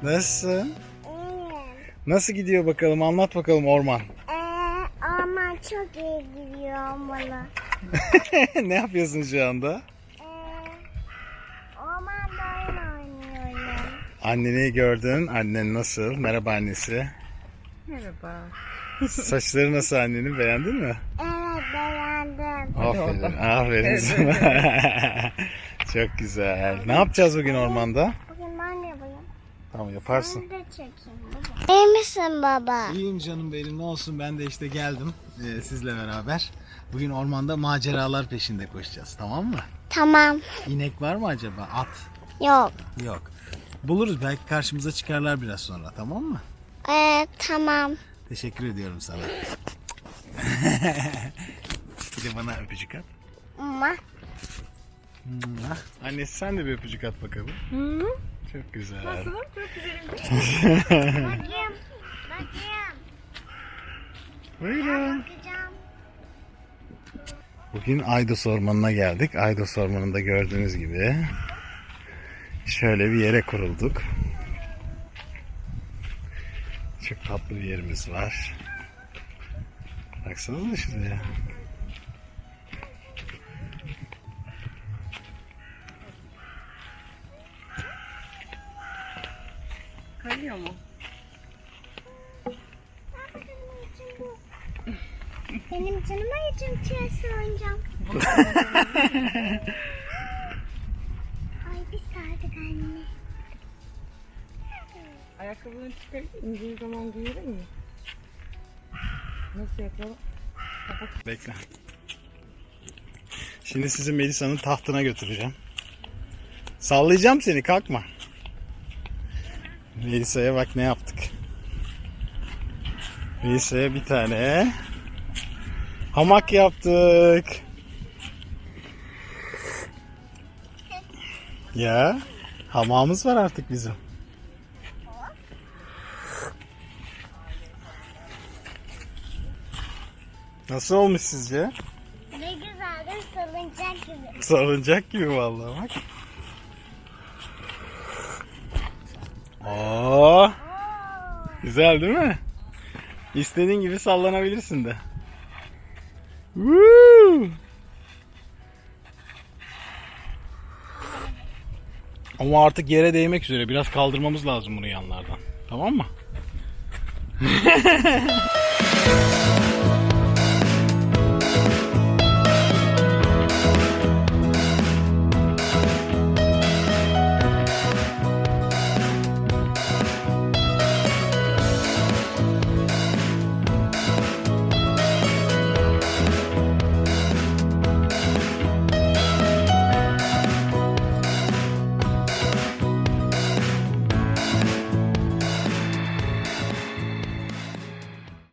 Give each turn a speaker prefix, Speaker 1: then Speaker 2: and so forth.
Speaker 1: Nasılsın?
Speaker 2: İyiyim.
Speaker 1: Nasıl gidiyor bakalım? Anlat bakalım orman.
Speaker 2: Ama çok iyi gidiyor bana.
Speaker 1: Ne yapıyorsun şu anda?
Speaker 2: Ormanda oyun oynuyorum.
Speaker 1: Anneni gördün. Annen nasıl? Merhaba annesi.
Speaker 3: Merhaba.
Speaker 1: Saçları nasıl annenin? Beğendin mi?
Speaker 2: Evet, beğendim.
Speaker 1: Aferin. Aferin sana. Çok güzel. Ne yapacağız bugün ormanda?
Speaker 2: Bugün ben yapayım.
Speaker 1: Tamam yaparsın.
Speaker 2: Ben de çekeyim baba. İyi misin baba?
Speaker 1: İyiyim canım benim, ne olsun, ben de işte geldim sizle beraber. Bugün ormanda maceralar peşinde koşacağız, tamam mı?
Speaker 2: Tamam.
Speaker 1: İnek var mı acaba? At?
Speaker 2: Yok.
Speaker 1: Yok. Buluruz, belki karşımıza çıkarlar biraz sonra, tamam mı?
Speaker 2: Tamam.
Speaker 1: Teşekkür ediyorum sana. Bir de bana öpücük at.
Speaker 2: Ama.
Speaker 1: Annesi sen de bir öpücük at bakalım.
Speaker 3: Hı?
Speaker 1: Çok güzel.
Speaker 3: Nasılım? Çok güzelim.
Speaker 2: Bakayım. Bakayım.
Speaker 1: Buyurun.
Speaker 2: Bakacağım.
Speaker 1: Bugün Aydos Ormanı'na geldik. Aydos Ormanı'nda gördüğünüz gibi şöyle bir yere kurulduk. Çok tatlı bir yerimiz var. Baksanıza şuraya.
Speaker 3: Kayıyor mu?
Speaker 2: Benim canıma için çiğ oyuncağım. Ay bir sardık anne.
Speaker 3: Ayakkabılarını çıkarıp indiği zaman giyelim mi? Nasıl yapalım?
Speaker 1: Bekle. Şimdi sizi Melisa'nın tahtına götüreceğim. Sallayacağım seni, kalkma. Melisa'ya bak ne yaptık. Melisa'ya bir tane hamak yaptık. Ya, hamamımız var artık bizim. Nasıl olmuş sizce?
Speaker 2: Ne güzeldir, salıncak gibi.
Speaker 1: Salıncak gibi vallahi bak. Oo, güzel değil mi? İstediğin gibi sallanabilirsin de. Woo! Ama artık yere değmek üzere. Biraz kaldırmamız lazım bunu yanlardan. Tamam mı?